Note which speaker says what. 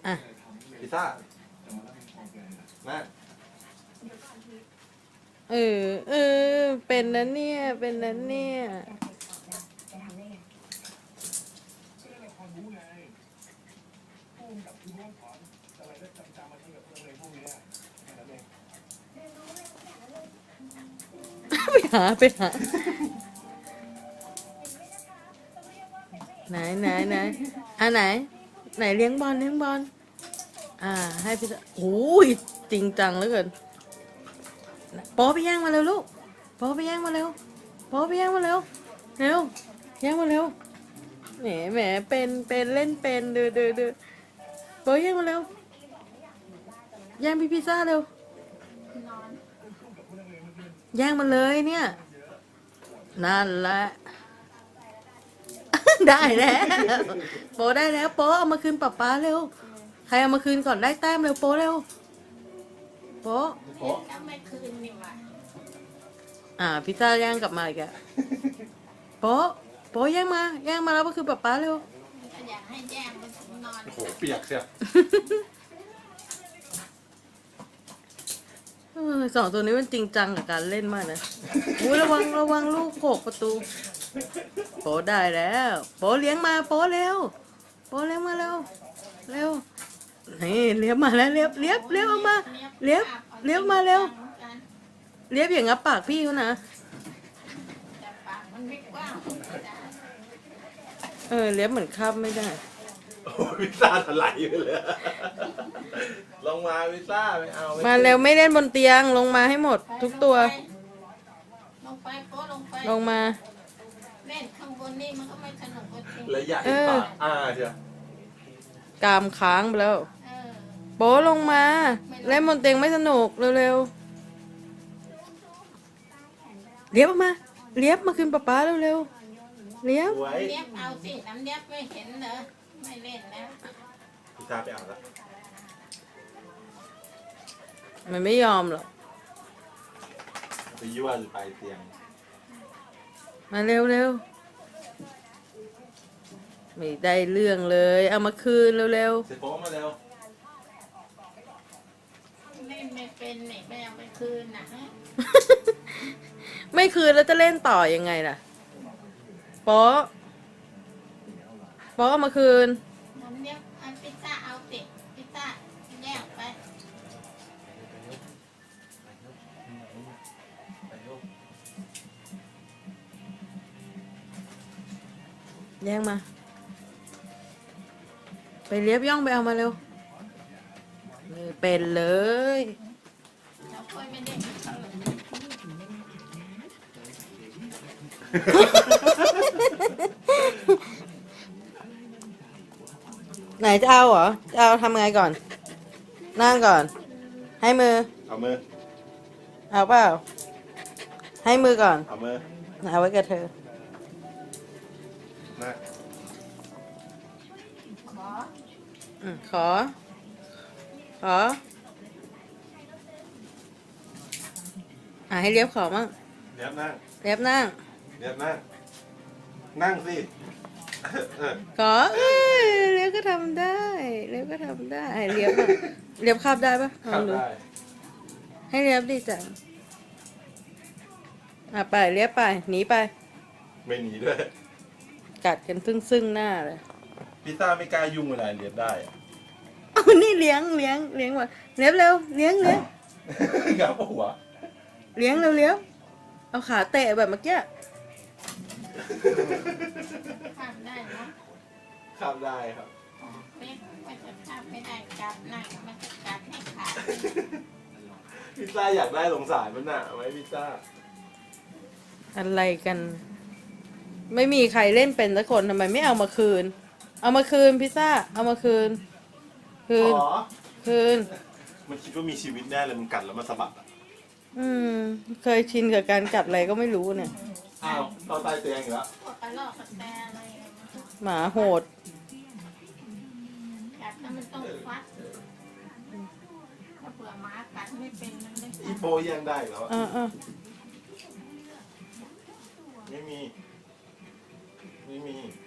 Speaker 1: อ่ะ
Speaker 2: พิซซ่านะ
Speaker 1: เป็นนั้นเนี่ยเป็นนั้นเนี่ยไปหาไหนไหนเลี้ยงบอลให้พี่โอ้ยจริงจังเหลือเกินโป๊ไปย่างมาเร็วลูกโป๊ไปย่างมาเร็วโป๊ไปย่างมาเร็วย่างมาเร็วแหมเป็นเล่นเป็นดูโป๊ย่างมาเร็วย่างพี่พิซซ่าเร็วย่างมาเลยเนี่ยนั่นแหละ ได้แล้วโป๊ได้แล้วโป๊เอามาคืนป๊าเร็วใครเอามาคืนก่อนได้แต้มเร็วโป๊เร็วโป๊พิซซ่าย่างกลับมาอีกอะโป๊ย่างมาแล้วก็คือป๊าเร็ว
Speaker 3: อยากให้แย่งมันนอน
Speaker 2: โอ้โหเปียกเชียว
Speaker 1: สองตัวนี้มันจริงจังกับการเล่นมากนะระวังลูกโขกประตูโป๊ได้แล้วโป๊เลี้ยงมาโป๊เร็วโป๊เลี้ยงมาเร็วนี่เลี้ยงมาแล้วเลี้ยบออกมาเลี้ยบมาเร็วเลี้ยบอย่างงับปากพี่เขานะเลี้ยบเหมือนข้ามไม่ได้
Speaker 2: โอ้พิซซ่าถลายไปเลยลงมาพิซซ่าไม่เอา
Speaker 1: มาเร็วไม่เล่นบนเตียงลงมาให้หมดทุกตัว
Speaker 3: ลงไปโป๊ลงไป
Speaker 1: ลงมา
Speaker 3: เล่นข้างบนนี่มันก็ไม่สนุกจริง
Speaker 2: และใหญ่ปากเชียว
Speaker 1: กามค้างไปแล้วโป๊ลงมาเล่นบนเตียงไม่สนุกเร็วเลี้ยบออกมาเลี้ยบมาคืนป๊าเร็วเลี้ยบ
Speaker 3: เอาสิน้ำเลี้ยบไม่เห็นเหรอไม่เล่นแล้ว
Speaker 2: พิซซ่าไปเอาละ
Speaker 1: มันไม่ยอมหรอก
Speaker 2: ไปยั่วหรือไปเตียง
Speaker 1: มาเร็วไม่ได้เรื่องเลยเอามาคืนเร็ว
Speaker 2: เสร็จโป๊มาเร็ว
Speaker 3: เล่นไม่เป็นไหนไม่เอาไปคืนนะฮะ
Speaker 1: ไม่คืนแล้วจะเล่นต่อยังไงล่ะโป๊เอามาคืน
Speaker 3: น้ำเลี้ยบอันพิซซ่าเอาสิพิซซ่าแยกไป
Speaker 1: แย่งมาไปเลี้ยบย่องไปเอามาเร็วเป็นเลย
Speaker 3: เราค่อยไม่ได้
Speaker 1: ไหนจะเอาเหรอจะเอาทำไงก่อนนั่งก่อนให้มือ
Speaker 2: เอามือ
Speaker 1: เอาเปล่าให้มือก่อน
Speaker 2: เอามือ
Speaker 1: เอาไว้กับเธอ
Speaker 2: นะ
Speaker 1: ขอให้เลียบขอมั่ง
Speaker 2: เลียบนั่ง
Speaker 1: เลียบนั่ง
Speaker 2: นั่งสิ
Speaker 1: ขอเลียบก็ทำได้เลียบคาบได้ปะ
Speaker 2: ลองดู
Speaker 1: ให้เลียบดีจังไปเลียบไปหนีไป
Speaker 2: ไม่หนีด้วย
Speaker 1: กัดกันซึ่งหน้าเลย
Speaker 2: พิซซ่าไม่กล้ายุ่งเวลาเลียบได้
Speaker 1: นี่เลี้ยงว่ะเลียบเร็วเลี้ยง
Speaker 2: งับหัว
Speaker 1: เลี้ยงเอาขาเตะแบบเมื่อกี้
Speaker 3: ข้ามได้เนาะ
Speaker 2: ข้ามได้ครับ
Speaker 3: ไม่จะข้ามไม่ได้จับนั่งมันจะจับให้ขาด
Speaker 2: พิซซ่าอยากได้สงสารมันน่ะไหมพิซซ่า
Speaker 1: อะไรกันไม่มีใครเล่นเป็นสักคนทำไมไม่เอามาคืนพิซซ่าเอามาคืน
Speaker 2: มันคิดว่ามีชีวิตแน่เลยมันกัดแล้วมันสะบัด
Speaker 1: เคยชินกับการกัดอะไรก็ไม่รู้เนี่ย
Speaker 2: อ้าวตอนตายเตียงอีกแล้ว
Speaker 1: หมาโหด
Speaker 3: กัดแล้วมันต้องฟัดถ้าเผื่อหมากัดไม่เป็นมันไม่
Speaker 2: อีโปยังได้แล้วไม่มี